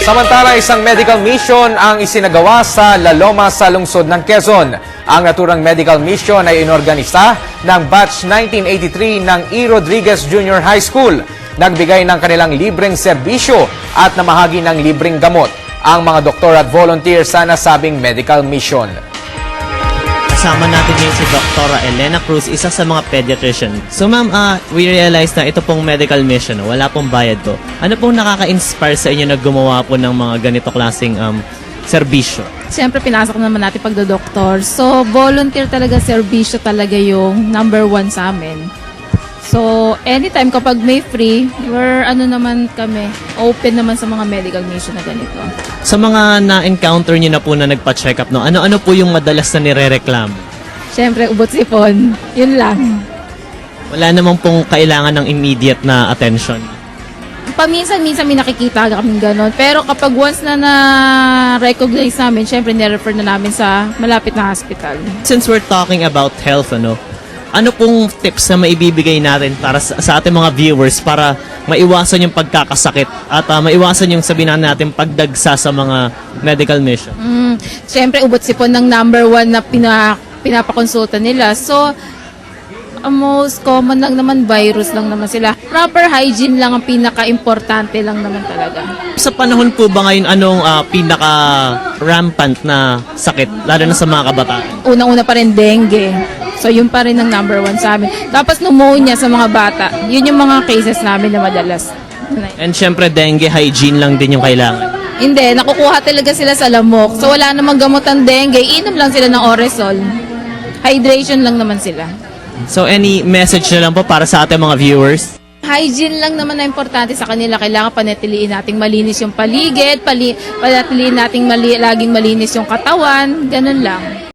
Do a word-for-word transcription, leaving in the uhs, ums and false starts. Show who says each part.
Speaker 1: Samantala, isang medical mission ang isinagawa sa La Loma sa lungsod ng Quezon. Ang naturang medical mission ay inorganisa ng batch nineteen eighty-three ng E. Rodriguez Junior High School. Nagbigay ng kanilang libreng serbisyo at namahagi ng libreng gamot ang mga doktor at volunteer sa nasabing medical mission.
Speaker 2: Kasama natin ngayon si Doctor Elena Cruz, isa sa mga pediatrician. So ma'am, uh, we realize na ito pong medical mission, wala pong bayad to. Ano pong nakaka-inspire sa inyo na gumawa po ng mga ganito klaseng um, serbisyo?
Speaker 3: Siyempre, pinasok naman natin pagdodoktor. So, volunteer talaga, serbisyo talaga yung number one sa amin. So, anytime kapag may free, we're ano naman kami, open naman sa mga medical mission na ganito.
Speaker 2: Sa mga na-encounter nyo na po na nagpa-check up, no, ano-ano po yung madalas na nire-reklamo?
Speaker 3: Siyempre, ubot sipon. Yun lang.
Speaker 2: Wala namang pong kailangan ng immediate na attention.
Speaker 3: Paminsan-minsan may nakikita kaming gano'n. Pero kapag once na na-recognize namin, siyempre nirefer na namin sa malapit na hospital.
Speaker 2: Since we're talking about health, ano, ano pong tips na maibibigay natin para sa, sa ating mga viewers para maiwasan yung pagkakasakit at uh, maiwasan yung sabihin natin pagdagsa sa mga medical mission?
Speaker 3: Mm, siyempre, ubot sipon ng number one na pina, pinapakonsulta nila. So, ang most common lang naman, virus lang naman sila. Proper hygiene lang ang pinaka-importante lang naman talaga.
Speaker 2: Sa panahon po ba ngayon, anong uh, pinaka-rampant na sakit, lalo na sa mga kabataan?
Speaker 3: Unang-una pa rin dengue. So, yun pa rin ang number one sa amin. Tapos pneumonia sa mga bata. Yun yung mga cases namin na madalas.
Speaker 2: And syempre, dengue, hygiene lang din yung kailangan.
Speaker 3: Hindi, nakukuha talaga sila sa lamok. So, wala namang gamot ang dengue. Inom lang sila ng Oresol. Hydration lang naman sila.
Speaker 2: So, any message na lang po para sa ating mga viewers?
Speaker 3: Hygiene lang naman na importante sa kanila. Kailangan panatiliin nating malinis yung paligid, pali, panatiliin nating mali, laging malinis yung katawan. Ganun lang.